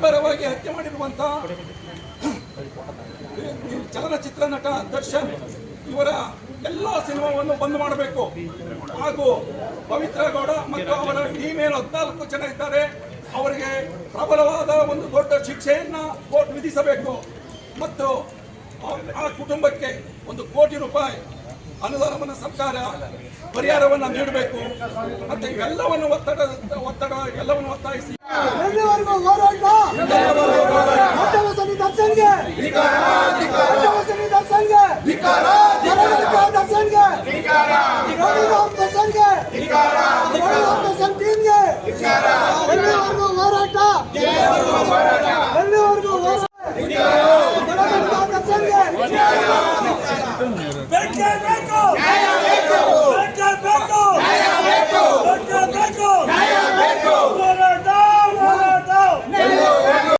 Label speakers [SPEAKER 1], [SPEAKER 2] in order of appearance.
[SPEAKER 1] ಬರ್ಬರವಾಗಿ ಹತ್ಯೆ ಮಾಡಿರುವಂತ ಚಲನಚಿತ್ರ ನಟ ದರ್ಶನ್ ಇವರ ಎಲ್ಲ ಸಿನಿಮಾವನ್ನು ಬಂದ್ ಮಾಡಬೇಕು. ಹಾಗೂ ಪವಿತ್ರ ಗೌಡ ಮತ್ತು ಅವರ ಟೀಮ್ ಏನು 14 ಜನ ಇದ್ದಾರೆ, ಅವರಿಗೆ ಪ್ರಬಲವಾದ ಒಂದು ದೊಡ್ಡ ಶಿಕ್ಷೆಯನ್ನ ಕೋರ್ಟ್ ವಿಧಿಸಬೇಕು. ಮತ್ತು ಆ ಕುಟುಂಬಕ್ಕೆ 1 ಕೋಟಿ ರೂಪಾಯಿ ಅನುದಾನವನ್ನು ಸರ್ಕಾರ ಪರಿಹಾರವನ್ನು ನೀಡಬೇಕು ಅಂತ ಇವೆಲ್ಲವನ್ನು ಎಲ್ಲವನ್ನು ಒತ್ತಾಯಿಸಿ
[SPEAKER 2] ದರ್ಶನ್ಗೆ